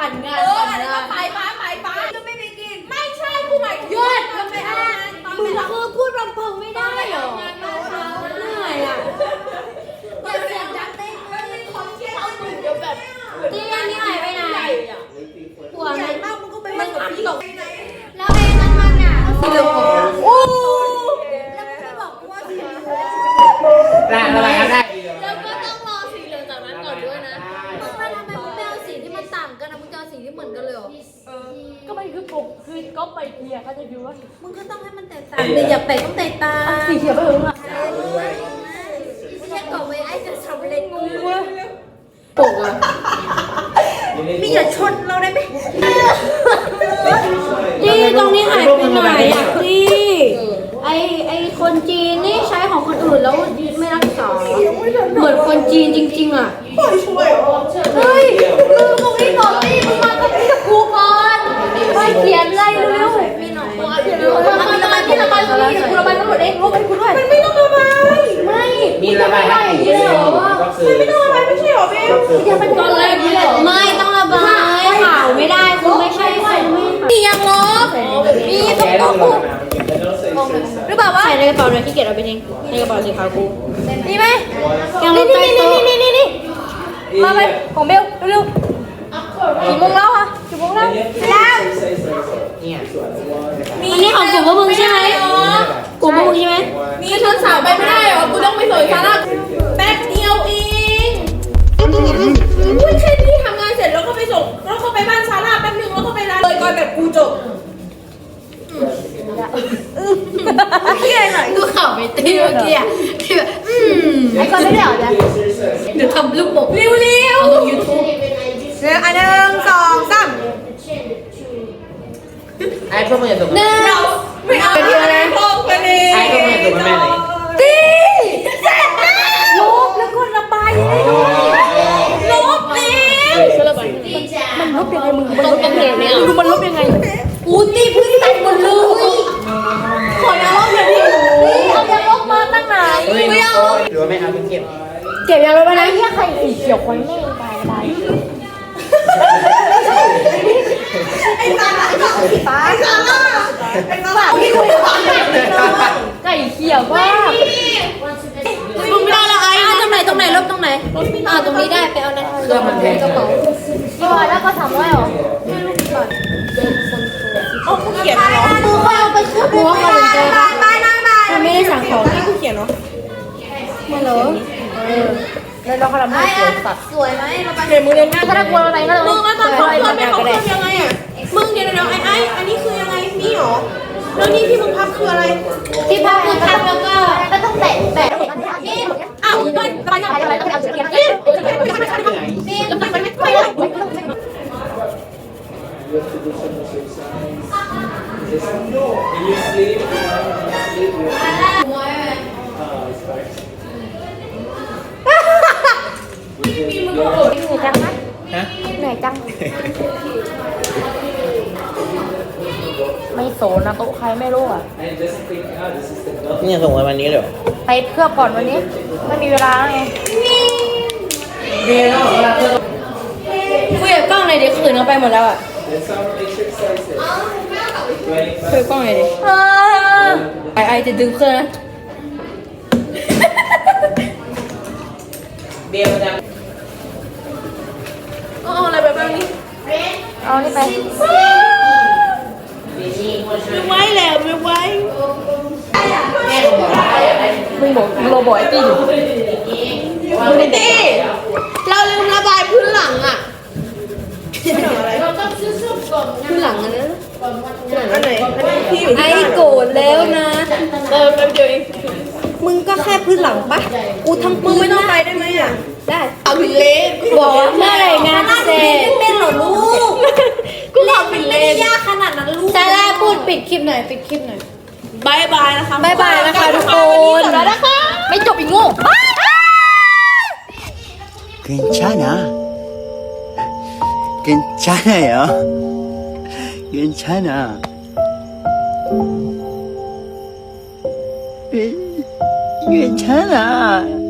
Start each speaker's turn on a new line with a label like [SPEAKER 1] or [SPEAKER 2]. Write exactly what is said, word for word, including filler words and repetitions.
[SPEAKER 1] ปั่นงาน
[SPEAKER 2] เอออะไรก็ไปฟ้าไปฟ้าก็ไม่ไปกินไม่ใช่กูหมายถึง
[SPEAKER 1] ยอดทำไมอ่ะมึงคือพูดรำเพิงไม่ได้เหรอเหนื่อยอ่ะ
[SPEAKER 2] อย่าเสียงดังเต้นเลยคนเชี่ยวหนึ่งเดี๋ยวแบบ
[SPEAKER 1] ตีอันนี้หายไปไหนหัว
[SPEAKER 2] ใหญ่
[SPEAKER 1] มัน
[SPEAKER 2] มากมึงก็ไปมันอับตก
[SPEAKER 1] แล้วไอ้นั่นมันอ่ะสีเหลืองโอ้
[SPEAKER 2] แล้วไม่บอกกูว่าสี
[SPEAKER 3] ได้อะไรครับได้
[SPEAKER 1] แล้วก็ต้องรอสีเหลืองจากนั้นก่อนด้วยนะมึงแล้วทำไมมึงไม่เอาสีที่มันต่างกันนะมึงจะเอาสีที่เหมือนกันเลยเหรอ
[SPEAKER 4] ก็มันคือปกคือก็ไปเคลียร์เขาจะดูว่า
[SPEAKER 1] มึงก็ต้องให้มันแตกต่างดิอย่าแปะต้องแตกต่าง
[SPEAKER 4] สีเขียวไปถึงอ่ะ
[SPEAKER 1] ไม่ใช่ก่อนไว้ไอ้จะทำอะไรงู
[SPEAKER 4] ปกอ่ะ
[SPEAKER 2] มีอย่าชนเราได้ไหม
[SPEAKER 1] จี้ตรงนี้หายไปไหนอ่ะจี้ไอไอคนจีนนี่ใช้ของคนอื่นแล้วไม่รักษาเหมือนคนจีนจริงๆอ่ะ
[SPEAKER 2] ช่วย
[SPEAKER 1] เฮ้ยมึงตรงนี้ก่อนดิมึงมากับพี่กับครูก่อนไปเขียนอะไรเร็วๆมีหน่อยเขียนเร็วๆระบายระบายที่ระบายตรงนี้เดี๋ยวกูระบายทั้งหมดเองลบไปคุณด้วยมันไม่ต้องระบายไม่
[SPEAKER 3] มีระบายให้
[SPEAKER 1] เยอะ
[SPEAKER 3] ก็คือไม่ต้องระบายไม่ใช่หรอพี่ก็คือ
[SPEAKER 1] อย่าเป็นตอนแรกไม่ต้องระบายข่าวไม่ได้คุณไม่ใช่คนมียังลบมีต้องต้องพูดหรือเปล่าว่าใส่ในกระเป๋าเลยขี้เกียจเอาไปทิ้งในกระเป๋าสีขาวกูมีไหมยังลบใต้โต๊ะนี่นี่นี่มาไปของเบลเร็วๆกี่โมงแล้วอะกี่โมงแล้วแล้ว
[SPEAKER 3] เนี่ย
[SPEAKER 1] อันนี้ของกลุ่มพวกมึงใช่ไหมกลุ่มพวกมึงใช่ไหม
[SPEAKER 2] มีชนเสาไปไม่ได้เหรอกูต้องไปสวยซาร่าแป๊บเดียวเองอุ้ยแค่นี้ทำงานเสร็จแล้วก็ไปส่งแล้วก็ไปบ้านซาร่าแป๊บนึงแล้วก็ไปร้านเลยก่อนแบบกูจบเที่ยหน่อย
[SPEAKER 1] กูข่าวไปตีเมื่อกี้อะที่แบบอืม
[SPEAKER 4] ไอ้คนไม่ได้เหรอจ๊ะ
[SPEAKER 1] เดี๋ยวทำลูกบก
[SPEAKER 2] เร็วเร็ว
[SPEAKER 1] ลงยูทูบ
[SPEAKER 2] เร็วอันหนึ่งสองสาม
[SPEAKER 3] ไอ้พวกมึงอย่าตก
[SPEAKER 1] หนึ่ง
[SPEAKER 2] ไม่เอาไปเลยพงไปเลย
[SPEAKER 3] ไอ้พวกมึงอย่าตกแม่เลย
[SPEAKER 2] ตีเสร็จแล้วลบแล้วก็ระบายให้ด้วยลบแล้ว
[SPEAKER 4] มันลบยังไงมึงมันลบยังไงเนี่ยมึงมันลบยังไง
[SPEAKER 1] อูตีพื้นตัดหมดเลยขออย่าลบเลยพี่
[SPEAKER 4] เอาจะลบมาตั้งนาน
[SPEAKER 3] เฮ้ยหรือว่าไม่เอาไปเก็บ
[SPEAKER 4] เก็บยังลบไปนะเฮียใครสีเขียวคนไม่ตายตาย
[SPEAKER 2] ไอ้ซาร่ากับฟ้าไอ้ซาร่าไอ้ซาร่าพี่คุยกับ
[SPEAKER 4] ไก่เขียวว่า
[SPEAKER 1] มึงไม่ได้ละไอ้ตรงไหนตรงไหนลบตรงไหนอ่าตรงนี้ได้ไปเอานะ
[SPEAKER 3] เครื่องมันแพง
[SPEAKER 1] กระเป๋า
[SPEAKER 4] พี่บอยแล้วก็ทำไว้หรอ
[SPEAKER 2] โอ้กูเขียนเหรอ
[SPEAKER 1] กูค่อยเอาไปคืนหัวเขาถึงเจอปะถ้าไม่ได้สั่งของ
[SPEAKER 2] นี่กูเขียนเหรอ
[SPEAKER 1] มาเหรอ
[SPEAKER 4] แล้วเราก็ทำให้สวยสัตว์
[SPEAKER 1] สวยไหมเราไป
[SPEAKER 2] เขียนมือเรียนง่าย
[SPEAKER 4] ถ้าถ้ากลัวอะไรก็เลย
[SPEAKER 2] มึงแล้วตอนเขาเพื่อนไม่เขาเพื่อนยังไงอ่ะมึงเดี๋ยวเดี๋ยวไอ้ไอ้อันนี้คือยังไงนี่เหรอแล้วนี่ที่มึงพับคืออะไร
[SPEAKER 1] ที่พักคือพักแล้วก็
[SPEAKER 4] ก็ต้องแตะแตะ
[SPEAKER 2] อ้าวมันมันยังไง
[SPEAKER 4] อะไรก็เอาเสียง
[SPEAKER 2] นี่นี่แล้วมันไม่ไม่ไม่
[SPEAKER 4] เหนื่อยจังนะ
[SPEAKER 3] ฮะ
[SPEAKER 4] เหนื่อยจังไม่โสนนะโต๊ะใครไม่รู้อ่ะ
[SPEAKER 3] เนี่ยส่งไว้วันนี้เลยเหรอ
[SPEAKER 4] ไปเคลือบก่อนวันนี้ไม่มีเวลาแล้วไง
[SPEAKER 3] เรียนแล้วเวลาเธอ
[SPEAKER 1] คุยกับกล้องหน่อยดิคืนเขาไปหมดแล้วอ่ะคุยกับกล้องหน่อยดิไอไอจะดึงเครื่องนะ
[SPEAKER 3] เบียร์มันจะ
[SPEAKER 2] เอาอะไรแบบนี้
[SPEAKER 4] เอานี่ไป
[SPEAKER 2] ไม่ไหวแล้วไม่ไหว
[SPEAKER 4] มึงบอกมึงโรบอยตี้อยู่
[SPEAKER 2] ไม่ดีเราลืมระบายพื้นหลังอ่ะ
[SPEAKER 1] คือหลังอันนั้น
[SPEAKER 2] อันไหนอันไหนที่อยู่
[SPEAKER 1] ไอ
[SPEAKER 2] ที่
[SPEAKER 1] โกรธแล้วนะ
[SPEAKER 2] เออแป๊บเดียวเอง
[SPEAKER 1] มึงก็แค่พื้นหลังปะกูทั้ง
[SPEAKER 2] มึ
[SPEAKER 1] ปื
[SPEAKER 2] ง
[SPEAKER 1] น
[SPEAKER 2] ไม่ต้องไปได้ไหมอ่ะ
[SPEAKER 1] ได้
[SPEAKER 2] เอาผิดเลน
[SPEAKER 1] บอกว่าเมื่อไหร่งานจะเสร็จเป็นเหรอลูก
[SPEAKER 2] กูทำผิดเล
[SPEAKER 1] ไม่
[SPEAKER 2] น
[SPEAKER 1] ยากขนาดนั้นลูกซาร่าพูดปิดคลิปหน่อยปิดคลิปหน่อย
[SPEAKER 2] บายบายนะคะ
[SPEAKER 1] บายบายนะคะทุกคน
[SPEAKER 2] จบแล้วนะคะ
[SPEAKER 4] ไม่จบอีกโง่
[SPEAKER 5] 괜찮아. 괜찮아요. 괜찮아. 괜찮아.